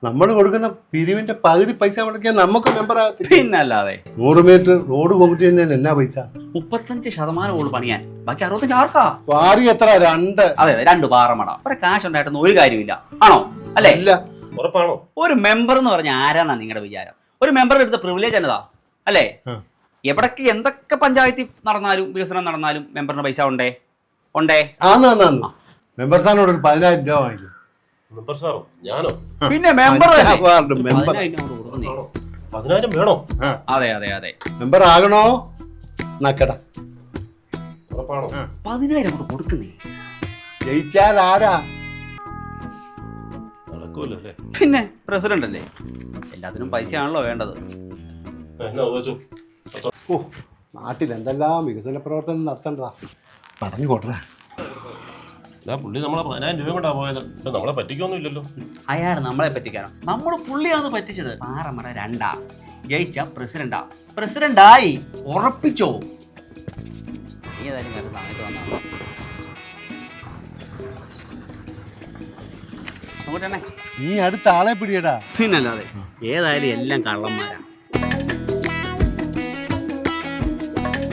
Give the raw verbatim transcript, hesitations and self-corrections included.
നമ്മൾ കൊടുക്കുന്ന പിരിവിന്റെ പകുതി പൈസ മുടക്കിയാൽ നമുക്ക് മെമ്പർ ആകത്തില്ല. പിന്നല്ലാതെ നൂറ് മീറ്റർ റോഡ് കോൺക്രീറ്റ് ചെയ്യുന്നതിന് എന്നാ പൈസ? മുപ്പത്തഞ്ച് ശതമാനം ഉള്ളു പണിയാൻ, ബാക്കി അറുപത്തഞ്ച് ആർക്കാ? വാരി എത്ര? രണ്ട്. അതെ അതെ, രണ്ട് പാറമട. ഒരു കാശ് ഉണ്ടായിട്ടൊന്നും ഒരു കാര്യമില്ല, ആണോ? അല്ലേ? ഇല്ല. ഉറപ്പാണോ? ഒരു മെമ്പർ എന്ന് പറഞ്ഞാൽ ആരാന്നാ നിങ്ങളുടെ വിചാരം? ഒരു മെമ്പറുടെ അടുത്ത പ്രിവിലേജ് എന്നതാ, അല്ലേ? എവിടേക്ക് എന്തൊക്കെ പഞ്ചായത്തിൽ നടന്നാലും വികസനം നടന്നാലും മെമ്പറിന് പൈസ ഉണ്ടേ ഉണ്ടേ ആന്ന് മെമ്പർ സാറിനോട് ഒരു പതിനായിരം രൂപ വാങ്ങിക്കും. മെമ്പർ സാറോ? ഞാനോ? പിന്നെ മെമ്പർ പതിനായിരം വേണോ? അതെ അതെ അതെ. മെമ്പർ ആകണോ? നക്കട. ഉറപ്പാണോ? പതിനായിരം കൊണ്ട് കൊടുക്കുന്നേ. ജയിച്ചാൽ ആരാ? നടക്കൂലല്ലേ? പിന്നെ പ്രസിഡന്റ് അല്ലേ, എല്ലാത്തിനും പൈസയാണല്ലോ വേണ്ടത്. ഓ, നാട്ടിൽ എന്തെല്ലാം വികസന പ്രവർത്തനം നടത്തണ്ടതാ, പറഞ്ഞു കൊട്ടേ. പുള്ളി നമ്മളെ പതിനായിരം രൂപ കൊണ്ടാ പോയത്, നമ്മളെ പറ്റിക്കൊന്നും ഇല്ലല്ലോ. അയാൾ നമ്മളെ പറ്റിക്കാനോ? നമ്മൾ പുള്ളിയാണ് പറ്റിച്ചത്. പാറമട രണ്ടാ, ജയിച്ച പ്രസിഡന്റാ, പ്രസിഡന്റായി ഉറപ്പിച്ചോ. നീ ഏതായാലും വേറെ സമയത്ത് വന്നാ നീ അടുത്ത ആളെ പിടിയടാ. പിന്നല്ലാതെ, ഏതായാലും എല്ലാം കള്ളന്മാരാണ്.